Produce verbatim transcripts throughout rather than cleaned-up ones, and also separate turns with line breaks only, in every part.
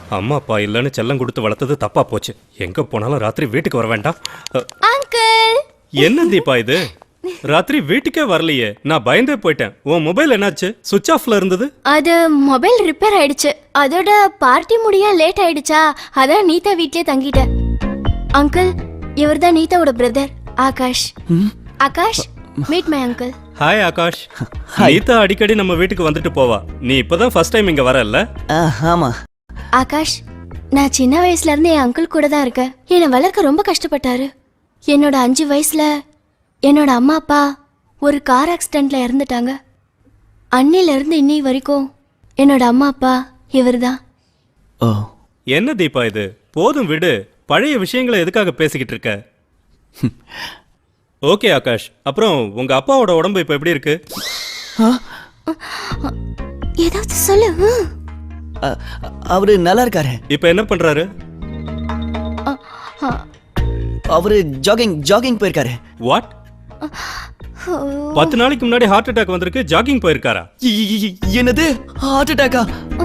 அம்மா அப்பா இல்லைன்னு செல்லம் கொடுத்து வளர்த்தது தப்பா போச்சு. எங்க போனாலும் ராத்திரி வீட்டுக்கு வர வேண்டாம்.
அங்கிள்
என்ன தீபா இது? ராத்திரி வீட்டுக்கே வரலையே. நான் பயந்தே போயிட்டேன். உன் மொபைல் என்னாச்சு? சுவிட்ச் ஆஃப்ல இருந்தது.
அது மொபைல் ரிப்பேர் ஆயிடுச்சு. அதோட பார்ட்டி முடிய லேட் ஆயிடுச்சா, அதான் நீதா வீட்லயே தங்கிட்டேன். அங்கிள், இவர்தான் நீதாவோட brother Akash. Akash, meet my uncle.
Hi Akash. Neeta அடிக்கடி நம்ம வீட்டுக்கு வந்துட்டு போவா. நீ இப்பதான் ஃபர்ஸ்ட் டைம் இங்க வரல?
ஆமா.
ஆகாஷ், நான் சின்ன வயசுல இருந்து என் அங்கிள் கூட தான் இருக்கேன். என்னை வளர்க்க ரொம்ப கஷ்டப்பட்டாரு. என்னோட அஞ்சு வயசுல என்னோட அம்மா அப்பா ஒரு கார் ஆக்சிடென்ட்ல இறந்துட்டாங்க. அன்னில இருந்து இன்னி வரைக்கும் என்னோட அம்மா அப்பா இவர் தான்.
ஓ,
என்ன தீபா இது? போதும் விடு. பழைய விஷயங்களை எதுக்காக பேசிக்கிட்டு இருக்க? ஓகே ஆகாஷ், அப்புறம் உங்க அப்பாவோட உடம்பு இப்ப எப்படி இருக்கு?
ஏதாவது சொல்லு.
அ- அவரு நல்லா இருக்காரு.
இப்ப என்ன பண்றாரு?
அவரு ஜாகிங் ஜாகிங் போயிருக்காரு.
வாட்? பத்து நாளைக்கு முன்னாடி ஹார்ட் அட்டாக் வந்திருக்கு, ஜாகிங் போயிருக்காரா?
இ- இ- இ- என்னது, ஹார்ட் அட்டாக்கா?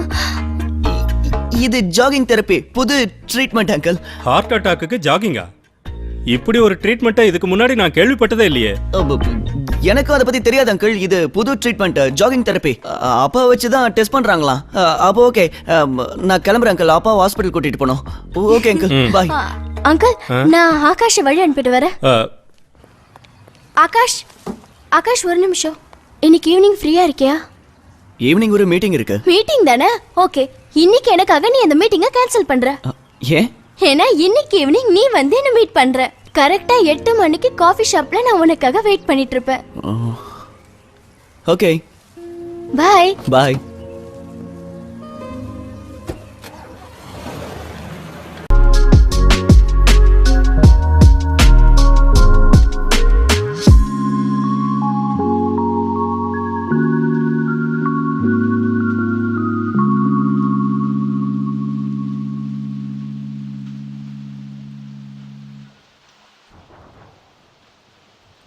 இது ஜாகிங் தெரப்பி, புது ட்ரீட்மெண்ட் அங்கிள்.
ஹார்ட் அட்டாக்கு ஜாகிங்கா? இப்படி ஒரு ட்ரீட்மெண்ட்டை இதுக்கு முன்னாடி நான் கேள்விப்பட்டதே இல்லையே.
எனக்கும் அதை பத்தி தெரியாது அங்கிள். இது புது ட்ரீட்மெண்ட், ஜாகிங் தெரப்பி. அப்பா வச்சு தான் டெஸ்ட் பண்றாங்களாம். அப்போ ஓகே, நான் கிளம்புறேன் அங்கிள். அப்பா ஹாஸ்பிட்டல் கூட்டிட்டு போனோம். ஓகே அங்கிள், பாய்.
அங்கிள், நான் ஆகாஷ் வழி அனுப்பிட்டு வரேன்.
அஹ்,
ஆகாஷ், ஆகாஷ் ஒரு நிமிஷம். இன்னைக்கு ஈவினிங் ஃப்ரீயா இருக்கியா?
ஈவினிங் ஒரு மீட்டிங் இருக்கு.
மீட்டிங் தானே? ஓகே, இன்னைக்கு எனக்காக நீ அந்த மீட்டிங்கை கேன்சல் பண்ற.
அ, ஏன்?
ஏன்னா இன்னைக்கு ஈவினிங் நீ வந்து என்ன மீட் பண்ற. கரெக்டா எட்டு மணிக்கு காஃபி ஷாப்ல நான் உனக்காக வெயிட் பண்ணிட்டு இருப்பேன்.
Okay,
bye.
பாய்.